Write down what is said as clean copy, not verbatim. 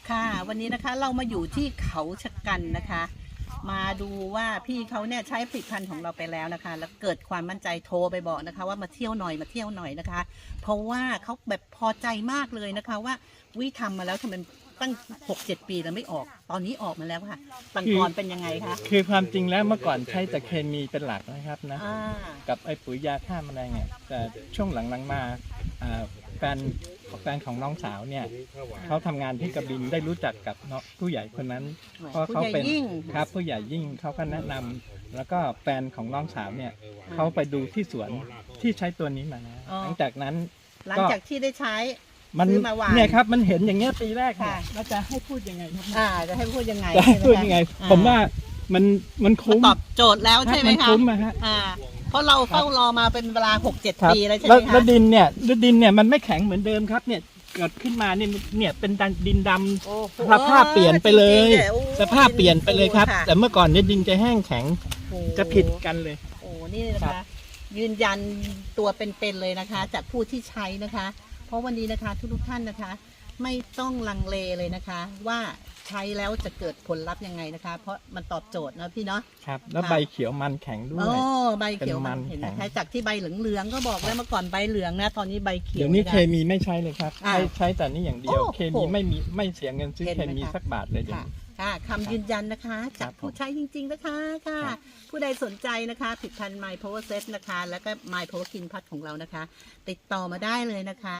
ค่ะวันนี้นะคะเรามาอยู่ที่เขาชะกันนะคะ มาดูว่าพี่เขาเนี่ยใช้ผลิตภัณฑ์ของเราไปแล้วนะคะ แล้วเกิดความมั่นใจโทรไปบอกนะคะ ว่ามาเที่ยวหน่อยนะคะ เพราะว่าเขาแบบพอใจมากเลยนะคะว่าวิทำมาแล้วทำไมตั้ง 6-7 ปีแล้วไม่ออกตอนนี้ออกมาแล้วค่ะตังกรเป็นยังไงคะคือความจริงแล้วเมื่อก่อนใช้แต่เคมีเป็นหลักนะครับนะอ่ากับไอ้ปุ๋ยยาฆ่าแมลงเนี่ยแต่ช่วงหลังๆมาแฟนของน้องสาวเนี่ยเขาทำงานที่กระบินได้รู้จักกับผู้ใหญ่คนนั้นเพราะเขาเป็นครับผู้ใหญ่ยิ่งเขาก็แนะนำแล้วก็แฟนของน้องสาวเนี่ยเขาไปดูที่สวนที่ใช้ตัวนี้มานะหลังจากนั้นหลังจากที่ได้ใช้มันซื้อมาวางเนี่ยครับมันเห็นอย่างเงี้ยปีแรกเนี่ยค่ะแล้วจะให้พูดยังไงครับจะให้พูดยังไงจะให้พูดยังไงใช่หคะผมว่ามันมันคุ้มตอบโจทย์แล้วใช่ไหมมันคะคุ้มอะฮะเพราะเราเฝ้ารอมาเป็นเวลา 6-7 ครับปีแล้วใช่ไหมแล้วคะดินเนี่ยมันไม่แข็งเหมือนเดิมครับเนี่ยเกิดขึ้นมาเนี่ยเป็นดินดำโอ้โหสภาพเปลี่ยนไปเลยจริงๆนี่โอ้สภาพเปลี่ยนไปเลยครับค่ะแต่เมื่อก่อนเนี่ยดินจะแห้งแข็งโอ้จะผิดกันเลยโอ้นี่นะครัคะบยืนยันตัวเป็นๆเลยนะคะ จากผู้ที่ใช้นะคะ เพราะวันนี้นะคะทุกท่านนะคะ ไม่ต้องลังเลเลยนะคะ ว่าใช้แล้วจะเกิดผลลัพธ์ยังไงนะคะ เพราะมันตอบโจทย์นะพี่เนาะครับแล้วค่ะใบเขียวมันแข็งด้วยโอ้ใบเขียวเป็นมัมันนเห็นแข็นะงคะจากที่ใบเหลืองๆก็บอกแล้วเมื่อก่อนใบเหลืองนะตอนนี้ใบเขียวเดี๋ยวนี้ะเคคะมีไม่ใช้เลยครับอ่าใช้แต่นี่อย่างเดียวโอ้โหเคมีไม่เสียเงินซื้อเห็นเคไหมมีคะสักบาทเลยเดี๋ยวค่ะนี้ค่ะคำยืนยันนะคะครัจากบผู้ใช้จริงๆนะคะค่ะครับผู้ใดสนใจนะคะผลิตภัณฑ์ My Power Set นะคะ แล้วก็ My Power Skin Plus ของเรานะคะ ติดต่อมาได้เลยนะคะ